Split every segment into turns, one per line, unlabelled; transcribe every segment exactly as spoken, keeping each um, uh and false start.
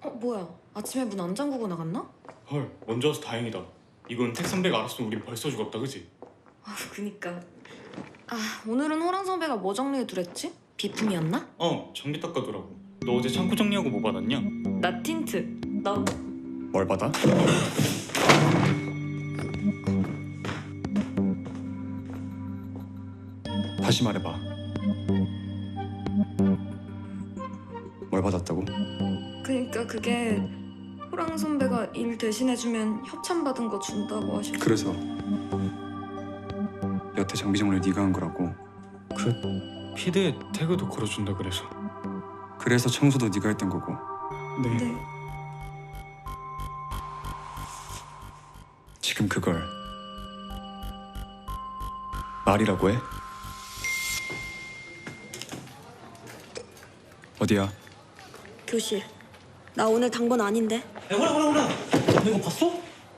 어, 뭐야? 아침에 문 안 잠그고 나갔나?
헐, 먼저 와서 다행이다. 이건 택 선배가 알았으면 우린 벌써 죽었다, 그지?
아, 그니까. 아, 오늘은 호랑 선배가 뭐 정리해 두랬지? 비품이었나?
어, 전기 닦아두라고. 너 어제 창고 정리하고 뭐 받았냐?
나 틴트. 너?
뭘 받아? 다시 말해봐. 뭘 받았다고?
그니까 그게 호랑 선배가 일 대신해주면 협찬 받은 거 준다고 하셨어.
그래서 여태 장비 정리를 네가 한 거라고.
그 피드에 태그도 걸어준다 그래서.
그래서 청소도 네가 했던 거고.
네.
네.
지금 그걸 말이라고 해? 어디야?
교실. 나 오늘 당번 아닌데.
야, 호라 호라 호라. 너 이거 봤어?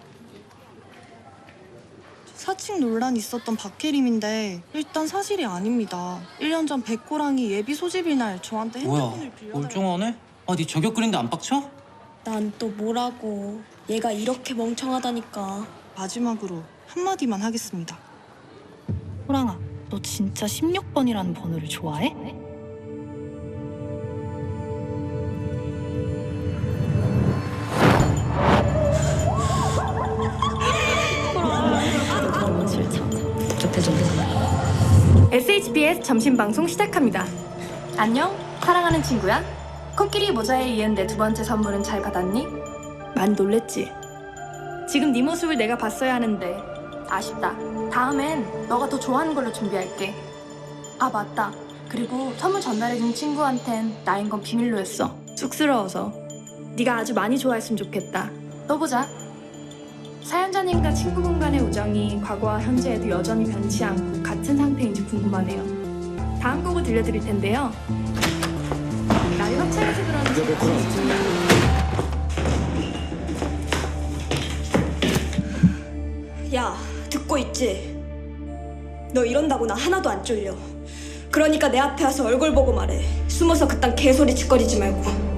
사칭 논란이 있었던 박혜림인데 일단 사실이 아닙니다. 일 년 전 백호랑이 예비 소집일 날 저한테 핸드폰을
뭐야?
빌려달라고.
멀쩡하네? 아, 네 저격 그린데 안 빡쳐?
난 또 뭐라고. 얘가 이렇게 멍청하다니까.
마지막으로 한마디만 하겠습니다.
호랑아, 너 진짜 십육 번이라는 번호를 좋아해?
에스에이치비에스 점심방송 시작합니다. 안녕, 사랑하는 친구야. 코끼리 모자에 이은 내 두 번째 선물은 잘 받았니? 많이 놀랬지? 지금 네 모습을 내가 봤어야 하는데 아쉽다. 다음엔 너가 더 좋아하는 걸로 준비할게. 아, 맞다. 그리고 선물 전달해준 친구한텐 나인 건 비밀로 했어. 쑥스러워서. 네가 아주 많이 좋아했으면 좋겠다. 또 보자. 사연자님과 친구분 간의 우정이 과거와 현재에도 여전히 변치 않고 같은 상태인지 궁금하네요. 다음 곡을 들려드릴 텐데요. 나의 협찬해서 그러는
야, 듣고 있지? 너 이런다고 나 하나도 안 쫄려. 그러니까 내 앞에 와서 얼굴 보고 말해. 숨어서 그딴 개소리 짓거리지 말고.